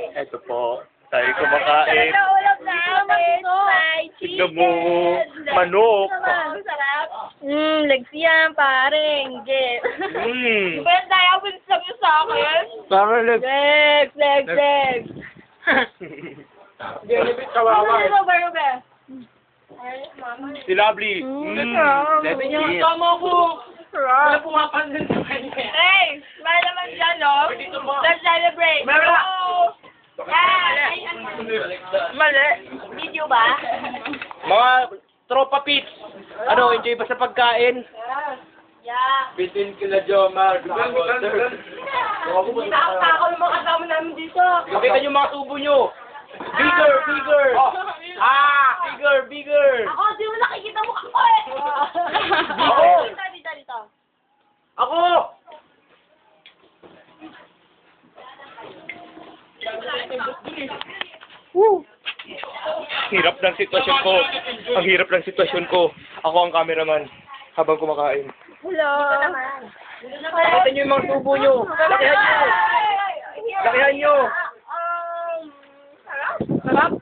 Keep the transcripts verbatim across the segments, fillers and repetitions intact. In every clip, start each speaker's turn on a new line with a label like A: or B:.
A: Ito po. Tayo kumakain.
B: Ito ulam namin. Fried
A: Tignan mo. Manok.
B: Masarap. Mmm, legs yan, pare. Hindi.
A: Mmm.
B: Di ba yung diamonds lang yung sa akin?
A: Para lang.
B: Legs, legs, legs.
A: Hindi, nabit kawawa.
B: Ano ba, Rube?
A: Si Lovely.
B: Mm.
A: Mmm. Let's eat.
B: Tama ko.
C: Wala pumapansin sa kanya.
B: Hey, mahal naman dyan, no? Let's celebrate.
C: Wala.
B: Oh. Yeah. Ay, ano? Mali. Video ba?
A: Mga tropa pits. Ano, enjoy ba sa pagkain?
B: Yeah.
A: Bitin kila Jomar.
B: Nakakako yung mga kasama namin dito.
A: Pakita nyo mga tubo nyo. Bigger, bigger. Ah, bigger, bigger.
B: Ako, di mo nakikita mo ako eh.
A: Ako.
B: Dito, dito, dito.
A: Ako! Woo! Hirap ng sitwasyon ko. Ang hirap ng sitwasyon ko. Ako ang cameraman habang kumakain.
B: Hello.
A: Pakita nyo yung mga tubo nyo. Lakihan nyo. Lakihan nyo.
B: Sarap?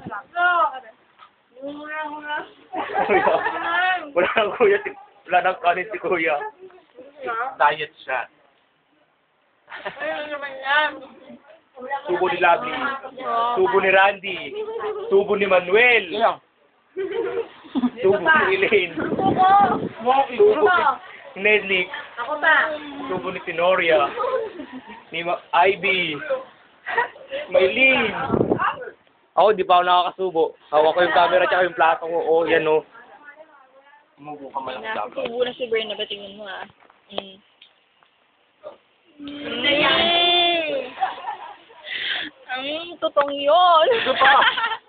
A: Wala nang kuya. Wala nang kanin si kuya. Diet shot.
B: Ano naman yan?
A: Tubo ni Lovely. Tubo ni Randy. Tubo ni Manuel. Tubo ni Elaine.
B: Ako.
A: Tubo ni Nedlick.
B: Ako ba?
A: Tubo ni Tenoria. Ni Ma Ivy. Maylene. Ako, di pa ako nakakasubo. Hawak ko yung camera tsaka yung plato ko. Oh, yan oh. Umubo ka man lang.
B: Nasubo na si Bern na ba tingin mo ah? Mm. Mm. Ang tutong yun.
A: Ito pa.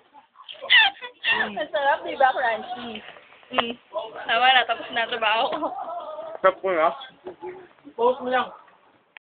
B: Masarap, di ba, crunchy? Mm. Tama na, tapos na trabaho ko.
A: Sarap ko na.
C: Post mo lang.